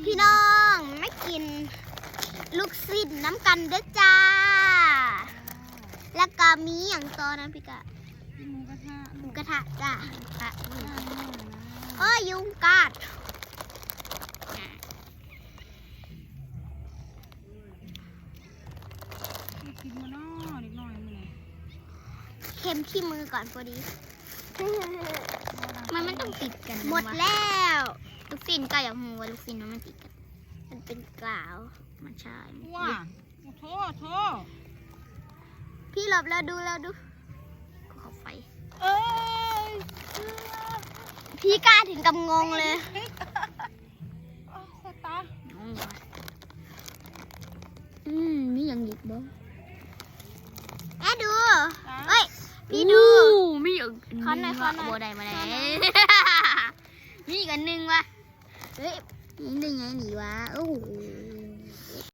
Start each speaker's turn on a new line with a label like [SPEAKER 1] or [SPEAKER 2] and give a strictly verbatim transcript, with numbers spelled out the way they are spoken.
[SPEAKER 1] พี่น้องไม่กินลูกศิษย์น้ำกันเด้อจ้าแล้วก็มีอย่างตอนนั้นพี่กะ
[SPEAKER 2] หมูกระทะ
[SPEAKER 1] หมูกระทะจ้าค่ะโอ้ยยุงกัด
[SPEAKER 2] กินมาเนาะเด็กน้อยมื้อนี้
[SPEAKER 1] เค็มที่มือก่อนพอดี
[SPEAKER 3] มันไม่ต้องติดกัน
[SPEAKER 1] หมดแล้ว
[SPEAKER 3] ลูกฟินก็อยากหูว่าลูกฟินมันติดกัน
[SPEAKER 1] มันเป็นกล่าว
[SPEAKER 3] มันใช่
[SPEAKER 2] ว้าโทษโทษ
[SPEAKER 1] พี่หลบแล้วดูแล้วดู
[SPEAKER 3] ก็เขาไฟ
[SPEAKER 2] เอ้ย
[SPEAKER 1] พี่กล้าถึงกับงงเลย
[SPEAKER 2] เอาใส่ตา
[SPEAKER 3] น้องวะอืมมีอย่างอีกบ่
[SPEAKER 1] แม่ดูเอ้ยพี่ดู
[SPEAKER 3] มีอย่าง
[SPEAKER 1] ขอหน่อยขอหน่อย
[SPEAKER 3] โบได้มาได้
[SPEAKER 1] ขอหน่อย
[SPEAKER 3] มีอีกอันหนึงวะ
[SPEAKER 1] เฮ้ย
[SPEAKER 3] นี่ได้ไงหนีวะโอ้โห